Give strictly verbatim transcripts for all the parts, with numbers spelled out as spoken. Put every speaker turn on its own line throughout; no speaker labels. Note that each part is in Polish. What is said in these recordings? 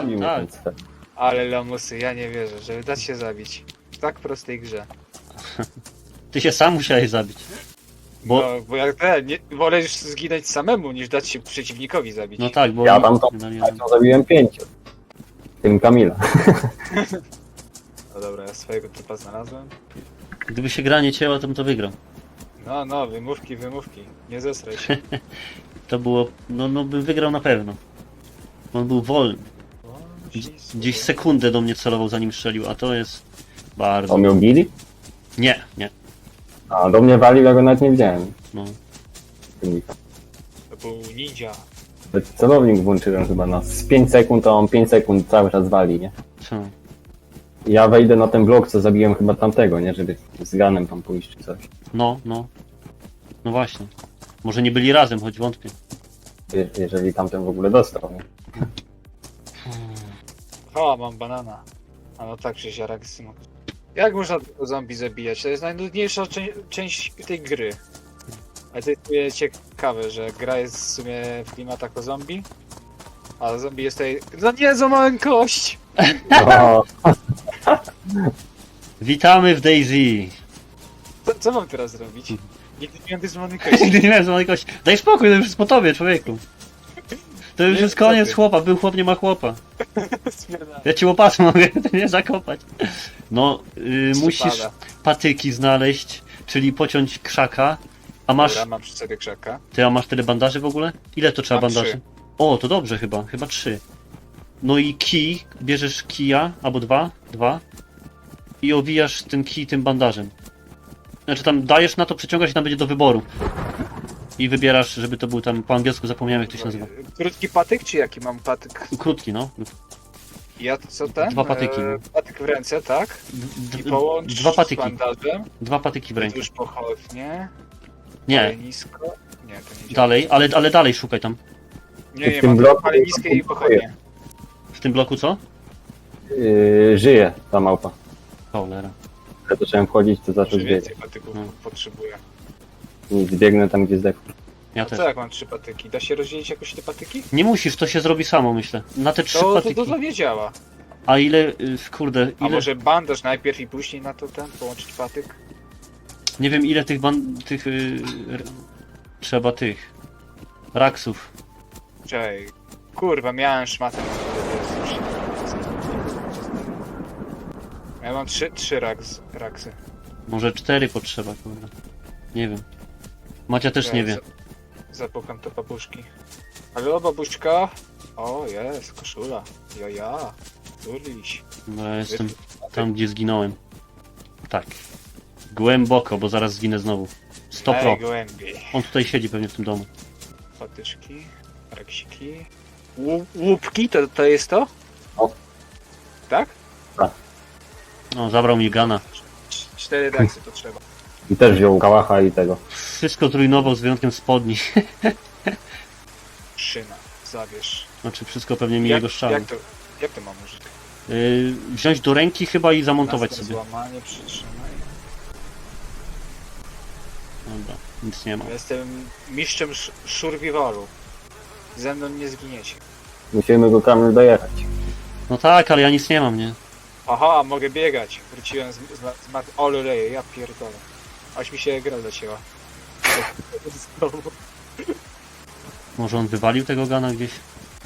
Zabił mnie
Tak.
ten cel.
Ale lamusy, ja nie wierzę, żeby dać się zabić. W tak prostej grze.
Ty się sam musiałeś zabić. Bo,
No, bo jak te, nie, wolę już zginąć samemu, niż dać się przeciwnikowi zabić.
no tak, bo...
Ja tam to
no, nie-
to zabiłem pięciu. Tym Kamila.
No dobra, ja swojego typa znalazłem.
Gdyby się gra nie cięła, to bym to wygrał.
No, no, wymówki, wymówki. Nie zesraj się.
To było... No, no bym wygrał na pewno. On był wolny.
O,
Gdzieś,
ślisku.
gdzieś sekundę do mnie celował, zanim strzelił, a to jest... Bardzo...
On miał gili?
Nie, nie.
A do mnie walił, ja go nawet nie widziałem.
No.
To był ninja.
Celownik włączyłem chyba na z pięć sekund, a on pięć sekund cały czas wali, nie?
Co?
Ja wejdę na ten blok, co zabiłem chyba tamtego, nie? Żeby z ganem tam pójść czy coś.
No, no. No właśnie. Może nie byli razem, choć wątpię.
Je jeżeli tamten w ogóle dostał, nie?
O, mam banana. A no tak, że ziarak smok. Jak można tego zombie zabijać? To jest najnudniejsza czę część tej gry. Ale to jest ciekawe, że gra jest w sumie w klimatach o zombie. A zombie jest tutaj... No nie, złamałem kość!
No,
Witamy w DayZ!
Co, co mam teraz zrobić? Nigdy nie miałem tej złamanej kości.
Nigdy nie miałem złamanej kości. Daj spokój, to już jest po tobie, człowieku. To już
Nie,
jest koniec
co ty?
chłopa, był chłop, nie ma chłopa.
Spierdalam.
Ja ci łopatą mogę nie zakopać. No, y, musisz
Pada.
patyki znaleźć, czyli pociąć krzaka. A masz...
Dobra, mam przy sobie krzaka.
Ty, a masz tyle bandaży w ogóle? Ile to trzeba
Mam
bandaży?
trzy.
O, to dobrze chyba, chyba trzy. No i kij, bierzesz kija, albo dwa, dwa i owijasz ten kij tym bandażem. Znaczy tam dajesz na to, przeciągasz i tam będzie do wyboru. I wybierasz, żeby to był tam, po angielsku zapomniałem jak to się nazywa.
Krótki patyk, czy jaki mam patyk?
Krótki, no.
Ja to co ten?
Dwa patyki.
E, patyk w ręce, tak?
D-
I
d-
połącz
dwa
z
patyki,
bandażem.
dwa patyki w rękę.
Już pochodnie.
Nie,
Ale nisko. Nie, to nie działa.
dalej, ale, ale dalej szukaj tam.
Nie, nie,
W tym
mam
bloku
ale niskie i pochodnie.
W tym bloku co?
yy, żyje ta małpa.
Cholera.
Jak zacząłem wchodzić, to zaczął
Może
zbiegać.
więcej patyków
No.
potrzebuję.
I zbiegnę tam, gdzie zdechł.
Ja
A
też.
co jak mam trzy patyki? Da się rozdzielić jakoś te patyki?
Nie musisz, to się zrobi samo, myślę. Na te trzy
To, to,
patyki.
to, to nie działa.
A ile, y, kurde,
A
ile...
może bandaż najpierw i później na to ten, połączyć patyk?
Nie wiem ile tych ban... tych... y, r- trzeba tych... raksów.
Czekaj. Kurwa, miałem szmatę. Ja mam trzy, trzy raks, raksy.
Może cztery potrzeba, kurde. Nie wiem. Macia też nie wie.
za- Zapukam to babuszki. Halo, babuszka? O, jest, koszula. Ja, ja. Turliś.
No ja jestem tam, gdzie zginąłem. Tak. Głęboko, bo zaraz zginę znowu. sto pro.
Głębiej.
On tutaj siedzi pewnie w tym domu.
Patyczki, raksiki. Łup, łupki, to, to jest to?
O.
Tak?
No, zabrał mi gana.
Cz- Cztery raksy to trzeba.
I też wziął kałacha i tego.
Wszystko zrujnował z wyjątkiem spodni.
Szyna, zabierz.
Znaczy wszystko pewnie mi jego strzałem.
jak, to, jak to mam użyć?
Yy, wziąć do ręki chyba i zamontować
Następ
sobie.
Złamanie, przytrzymaj.
Dobra, nic nie ma.
Ja jestem mistrzem sz- szurwiwalu. Ze mną nie zginiecie.
Musimy go Kamil dojechać.
No tak, ale ja nic nie mam, nie?
Aha, mogę biegać. Wróciłem z, z, z mat... O leje, ja pierdolę. Aż mi się gra zacięła. Znowu.
Może on wywalił tego gana gdzieś?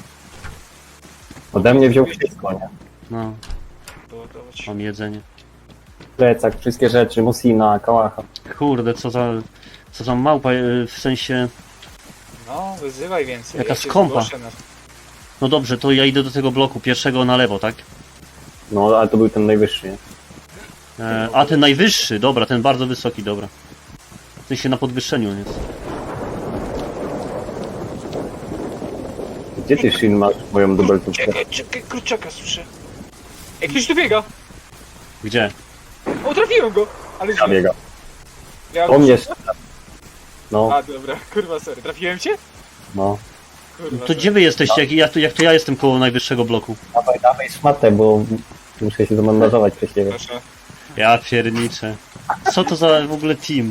Ode mnie wziął wszystko, nie?
No,
Doładować.
mam jedzenie.
Plecak, wszystkie rzeczy, Musina, kałacha.
Kurde, co za... co za małpa, yy, w sensie...
No, wyzywaj więcej.
Jaka
ja się
skąpa.
zgłoszę Na...
No dobrze, to ja idę do tego bloku, pierwszego na lewo, tak?
No, ale to był ten najwyższy, nie?
E, a ten najwyższy, dobra, ten bardzo wysoki, dobra. W sensie na podwyższeniu on jest.
Gdzie ty, Shin, masz moją dubeltówkę?
Czekaj, czekaj, kurczaka słyszę. Ej, ktoś tu biega!
Gdzie?
O, trafiłem go! Ale źle.
Zabiega.
Ja
O mnie strzela. No,
A, dobra, kurwa, sorry. Trafiłem cię?
no.
Kurwa,
To
sorry.
gdzie wy jesteście? Jak, jak, to, jak to ja jestem koło najwyższego bloku?
Dawaj, dawaj szmatę, bo muszę się zamandażować przez ciebie.
Proszę.
Ja pierniczę. Co to za w ogóle team?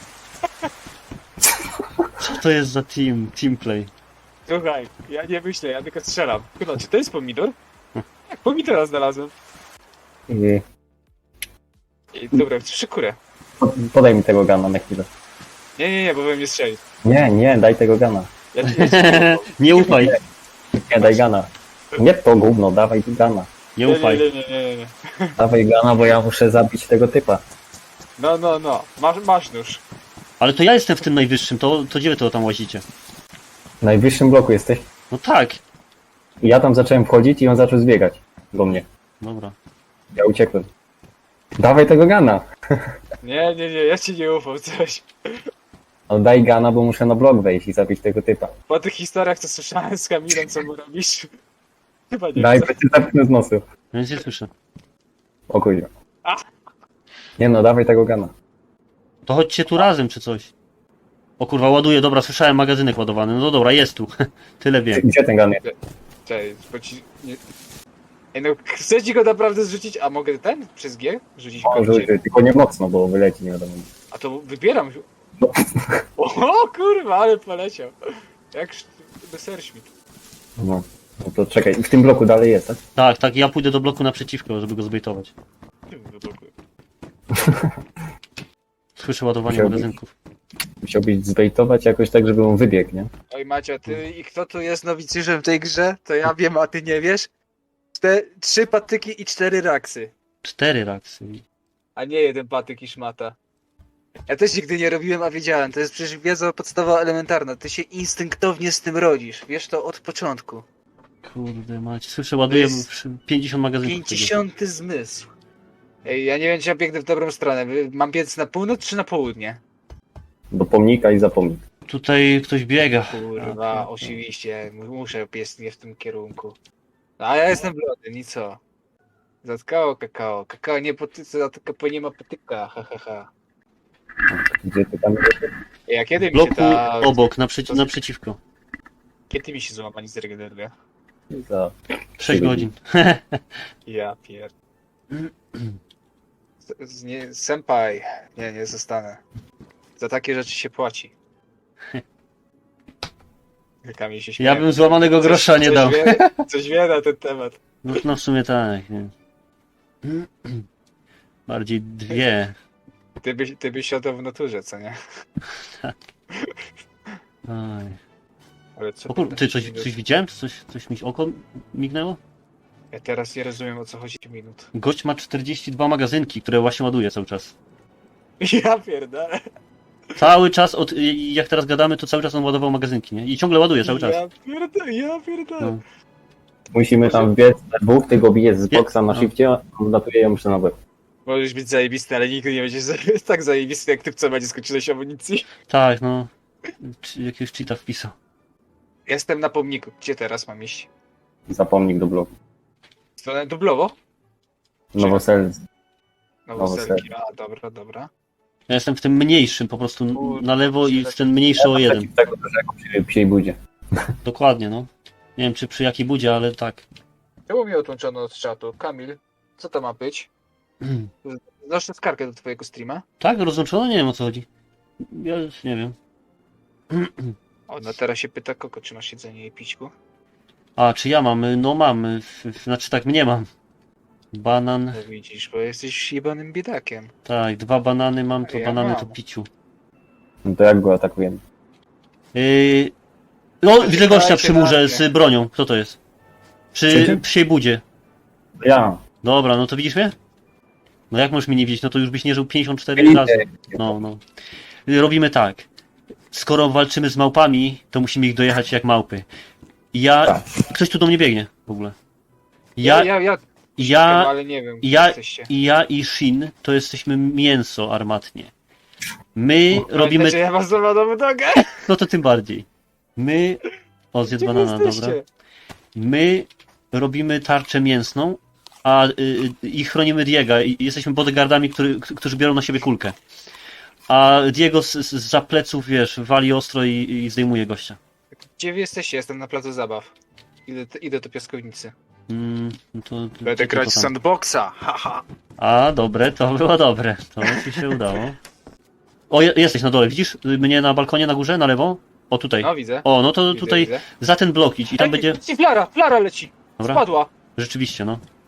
Co to jest za team? Teamplay.
Słuchaj, ja nie myślę, ja tylko strzelam. Chyba, czy to jest pomidor? Pomidora znalazłem.
I
I dobra, trzy kurę.
podaj mi tego gana na chwilę.
Nie, nie, nie, bo we mnie strzeli.
Nie, nie, daj tego gana.
Ja ci, ja ci nie ufam.
Nie ufaj,
Nie, daj gana. Nie to gówno, dawaj tu gana.
nie
Nie,
ufaj.
nie, nie, nie, nie, nie.
Dawaj gana, bo ja muszę zabić tego typa.
No, no, no. Masz, masz nóż.
Ale to ja jestem w tym najwyższym, to, to gdzie wy to tam łazicie?
W najwyższym bloku jesteś.
No tak.
I ja tam zacząłem wchodzić i on zaczął zbiegać do mnie.
Dobra.
Ja uciekłem. Dawaj tego gana.
Nie, nie, nie, ja ci nie ufam, coś.
No daj gana, bo muszę na blok wejść i zabić tego typa.
Po tych historiach, co słyszałem z Kamilem, co mu robisz. Chyba nie
Daj,
chcę.
bo cię zapnę z nosu.
Ja nic nie słyszę.
O kurwa.
A!
Nie no, dawaj tego gana.
To chodźcie tu razem czy coś. O kurwa, ładuję, dobra, słyszałem magazynek ładowany. No dobra, jest tu. Tyle wiem.
Gdzie ten gan jest?
Cześć, bo ci... Nie... Ej, no, chcę ci go naprawdę zrzucić, a mogę ten? Przez G? Rzucić go?
O, rzuć, tylko nie mocno, bo wyleci, nie wiadomo.
A to wybieram.
No.
O kurwa, ale poleciał. Jak sz- Messerschmitt.
No. No to czekaj, w tym bloku dalej jest, tak?
Tak, tak, ja pójdę do bloku naprzeciwko, żeby go zbejtować. Słyszę ładowanie
Musiałbyś-
magazynków.
Musiałbyś zbejtować jakoś tak, żeby on wybiegł, nie?
Oj Macia, ty i kto tu jest nowicjuszem w tej grze? To ja wiem, a ty nie wiesz? Czte, trzy patyki i cztery raksy.
Cztery raksy.
A nie jeden patyk i szmata. Ja też nigdy nie robiłem, a wiedziałem. To jest przecież wiedza podstawowa elementarna. Ty się instynktownie z tym rodzisz. Wiesz to od początku.
Kurde mać, słyszę, ładuję
jest
pięćdziesiąt magazynków.
Pięćdziesiąty zmysł. Ej, ja nie wiem, czy ja biegnę w dobrą stronę. Mam biec na północ czy na południe?
Do pomnika i za pomnik.
Tutaj ktoś biega.
Kurwa, oczywiście. Muszę biec nie w tym kierunku. No, a ja jestem blody, nic co. Zatkało kakao. Kakao nie potyka, tylko nie ma patyka. Ha, ha, ha.
Gdzie ty tam jesteś?
Ej, a kiedy
W
mi się
bloku
ta...
obok, naprzeci naprzeciwko.
Kiedy mi się złamanie zregeneruje?
Za...
sześć godzin.
Ja pier... Z- z- Nie, senpai. Nie, nie zostanę. Za takie rzeczy się płaci. Kamil się śmieje.
Ja bym złamanego
Coś-
grosza nie
coś
dał.
Wie, coś wie na ten temat.
No, no w sumie tak, nie. Bardziej dwie.
Ty byś, ty byś siadał w naturze, co nie?
Aj.
Ale co
O kur... Ty, coś,
minut?
coś widziałem? Coś, coś mi oko mignęło?
Ja teraz nie rozumiem, o co chodzi minut.
Gość ma czterdzieści dwa magazynki, które właśnie ładuje cały czas.
Ja pierdolę.
Cały czas, od, jak teraz gadamy, to cały czas on ładował magazynki, nie? I ciągle ładuje cały czas.
Ja pierdolę, ja pierdolę.
No.
Musimy tam wbiec na dwóch, ty go bijesz z
Nie.
boksa na
No.
shifcie, a on latuje ją muszę na łeb.
Możesz być zajebisty, ale nigdy nie będziesz za- tak zajebisty, jak ty w co będzie skończyłeś amunicji.
Tak, no. Czy jakiegoś cheata wpisał.
Jestem na pomniku. Gdzie teraz mam iść?
Za pomnik do bloku.
W stronę Dublowo?
Nowoselc.
Nowoselki. A, dobra, dobra.
Ja jestem w tym mniejszym, po prostu
Kurde,
na lewo i w
tak-
ten mniejszy o jeden.
Przeciw tego też jako przy psiej budzie.
Dokładnie, no. Nie wiem, czy przy jakiej budzie, ale tak.
Czemu mnie odłączono od czatu? Kamil, co to ma być? Znoszę skargę do twojego streama.
Tak, rozłączono? Nie wiem, o co chodzi. Ja już nie wiem.
O, no teraz się pyta Koko, czy masz jedzenie i pićku?
A, czy ja mam? No mam. F- f- Znaczy tak, mnie mam. Banan.
No widzisz, bo jesteś jebanym biedakiem.
Tak, dwa banany mam, to
Ja
banany
mam.
to piciu.
No to jak go atakujemy?
Yy... No, widzę gościa
Czekajcie
przy murze
na
z
mnie.
bronią. Kto to jest? Przy
Przyjdzie?
psiej budzie.
Ja.
Dobra, no to widzisz mnie? No jak możesz mnie nie widzieć? No to już byś nie żył pięćdziesiąt cztery
Widzę.
razy. No, no. Robimy tak. Skoro walczymy z małpami, to musimy ich dojechać jak małpy. Ja...
Tak.
Ktoś tu do mnie biegnie w ogóle.
Ja,
Ja,
ja, ja,
ja,
ale nie wiem, gdzie
ja,
jesteście.
i ja i Shin to jesteśmy mięso armatnie. My robimy...
Że ja mam złamaną nogę?
No to tym bardziej. My... O, zjedz
Gdzie wy
banana,
jesteście?
dobra. My robimy tarczę mięsną, a y, y, i chronimy Diega. I jesteśmy bodyguardami, który, którzy biorą na siebie kulkę. A Diego z, z, za pleców, wiesz, wali ostro i, i zdejmuje gościa.
Gdzie wy jesteście? Jestem na placu zabaw. Idę, idę do piaskownicy.
Mm, no to, to,
Będę
to,
grać
to
w
tam.
sandboxa, haha.
A, dobre, to było dobre. To ci się udało. O, je, jesteś na dole, widzisz mnie na balkonie na górze, na lewo? O, tutaj.
No widzę.
O, no to
widzę,
tutaj
widzę.
za ten blok idź i tam
Ej,
będzie...
leci flara, flara leci.
Dobra.
Spadła.
Rzeczywiście, no.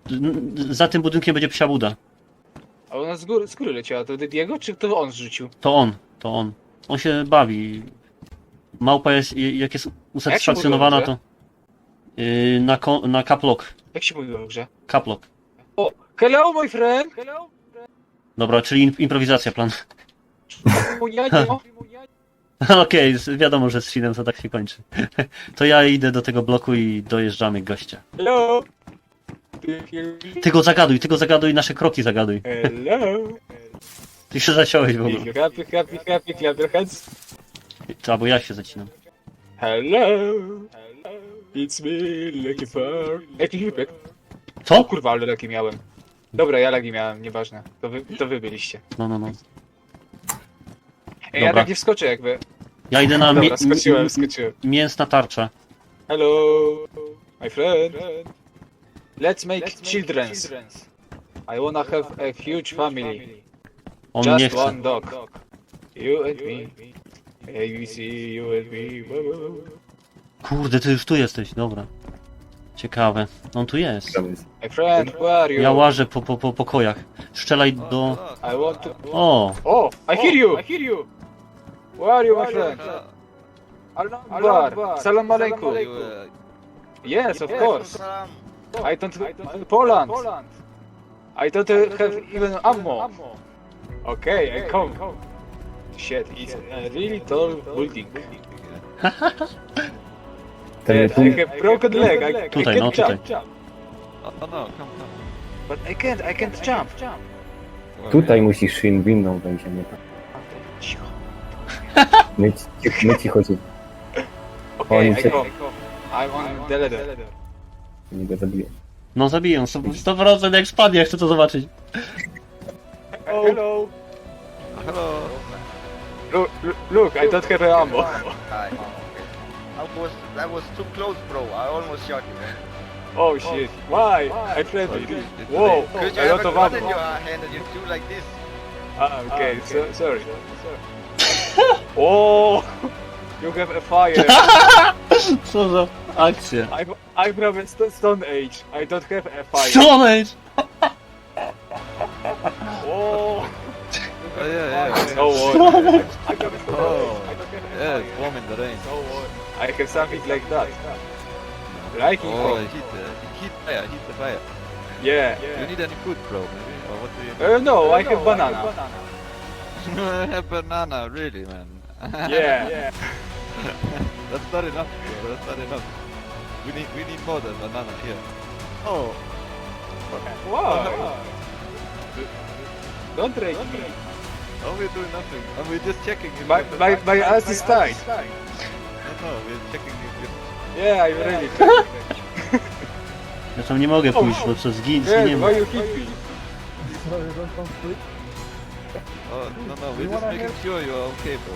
N- Za tym budynkiem będzie psia buda.
A ona z góry, z góry leciała, to Diego, czy to on zrzucił?
To on, to on. On się bawi. Małpa jest, jak jest usatysfakcjonowana,
mówiło,
to... Yy, na, ko- na caplock.
Jak się mówiło w grze?
Caplock.
O, hello my friend! Hello!
Dobra, czyli im- improwizacja plan.
Munianio!
Okej, z- wiadomo, że z Shinem to tak się kończy. To ja idę do tego bloku i dojeżdżamy gościa.
Hello! Do you hear me?
Ty go zagaduj, ty go zagaduj, nasze kroki zagaduj.
Hello!
Ty się zaciąłeś w ogóle.
If you're happy, happy, happy, clap your hands.
Albo ja się zacinam.
Hello! It's me, Lucky for... Jaki hipek? O
Co?
kurwa, ale lagi miałem. Dobra, ja lagi miałem, nieważne. To wy, to wy byliście.
No, no, no.
Ej, ja
Dobra.
tak nie wskoczę jakby.
Ja idę na
Dobra,
mi-
skoczyłem,
mi-
skoczyłem.
mięsna tarcza.
Hello, my friend. Let's make children's. I wanna have a huge family.
On nie
Just
chce.
one dog. You and me. A B C, you and me. Woo, woo, woo.
Kurde, ty już tu jesteś, dobra. Ciekawe. On tu jest.
My friend, where are you?
Ja łażę po, po, po pokojach. Strzelaj do...
I want to...
O!
Oh, I hear you! I hear you! Where are you, my friend? Allah Akbar. Salam alaikum. Yes, of course. I don't... Poland. I don't uh, have even ammo. Okay, I come. Shit, it's a really tall building.
Ten
Yes,
tu,
I have broken leg. I,
Tutaj,
I
no,
can't
tutaj.
jump.
Oh no, come, come.
But I can't, I can't jump.
tutaj musisz Shin windą będzie, nie tak.
Cicho.
My, ci- my ci chodzi,
Okay,
Oni
I
cię-
come. I'm on the ladder.
nie go zabiję.
No zabiję, sto procent jak spadnie, ja chcę to zobaczyć.
Hello.
Hello.
Look, look, look, I don't have ammo.
Hi. That was that was too close, bro. I almost shot you, man.
Oh shit. Why? I friendly. Whoa,
Because you
a
have
lot
a
of
gun in
ammo.
your hand and you do like this.
Ah, okay, so, sorry. Oh, you have a fire.
Co za akcja.
I'm, I'm from a st- Stone Age. I don't have a fire.
Stone Age!
Oh,
Oh yeah, yeah.
no worry. I don't have
Oh,
I don't have a
yeah,
fire.
it's warm in the rain.
No worry. I have something like that. Like it,
Oh,
bro.
heat, uh, heat fire, heat the fire.
Yeah.
Do you need any food, bro? Maybe, or what do you
Uh, no, I have banana.
need? A banana, really, man.
Yeah.
That's not enough, bro. That's not enough. We need, we need more than banana here. Oh,
Wow. Don't rage me.
oh, we're doing nothing. Oh, we're just checking. if
My,
the-
my, my ass is tight.
No, no, we're checking if it.
Yeah, I'm ready.
Ja tam nie mogę pójść, bo co zgin,
Yeah,
zginiemy.
why you hit me?
Oh, no, no, we're just making sure you're okay, bro.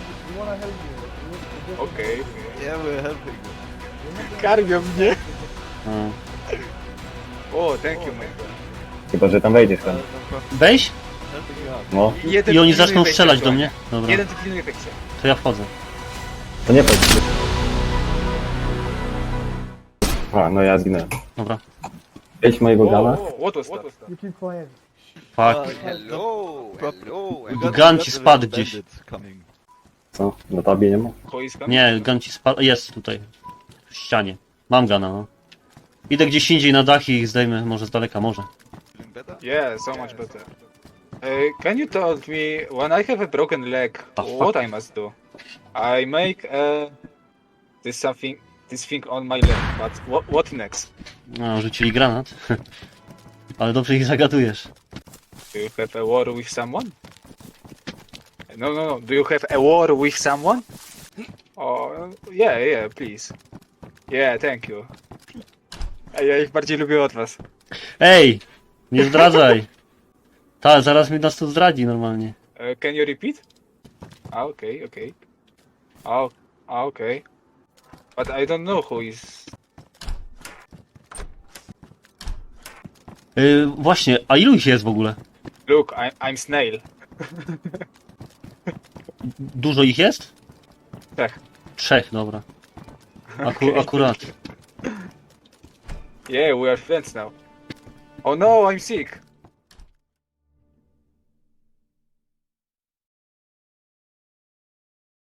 Okay.
Yeah, we're helping you.
Karmią mnie.
No.
Oh, thank you, my friend.
Chyba, że tam wejdziesz
Uh,
tam.
no problem.
Weź
Helping you out.
No,
Jeden
i oni
pilnuje
zaczną
wejścia
strzelać do
aktualnie.
mnie. Dobra,
Jeden tu pilnuje wejścia.
to ja wchodzę.
to nie chodź. A, no ja zginąłem.
Dobra.
Wejdź mojego gana.
Oh, what was that?
Fuck.
Hello. Hello.
We
and-
got-
Gun
we
ci
got the
spadł
little
gdzieś.
bandits coming.
Co? Na tabie nie ma?
Boiska?
Nie, gun ci spadł. Jest tutaj. W ścianie. Mam gana, no. Idę gdzieś indziej na dach i ich zdejmę, może z daleka, może.
Feeling better?
Yeah, so much better. Uh, can you tell me, when I have a broken leg,
The
what I must do? I make uh, this something, this thing on my leg, but what, what next?
No, rzucili granat. Ale dobrze ich zagadujesz.
Do you have a war with someone? No, no, no. Do you have a war with someone? Oh, yeah, yeah, please. Yeah, thank you. A ja ich bardziej lubię od was.
Ej! Nie zdradzaj! Ta, zaraz mi nas tu zdradzi normalnie.
Uh, can you repeat? Ah, okay, okay. Oh, ah, okay. But I don't know who is...
Yy, właśnie, a ilu ich jest w ogóle?
Look, I, I'm Snail.
Dużo ich jest?
Tak.
Trzech, dobra. Aku akurat.
Yeah, we are friends now. Oh no, I'm sick.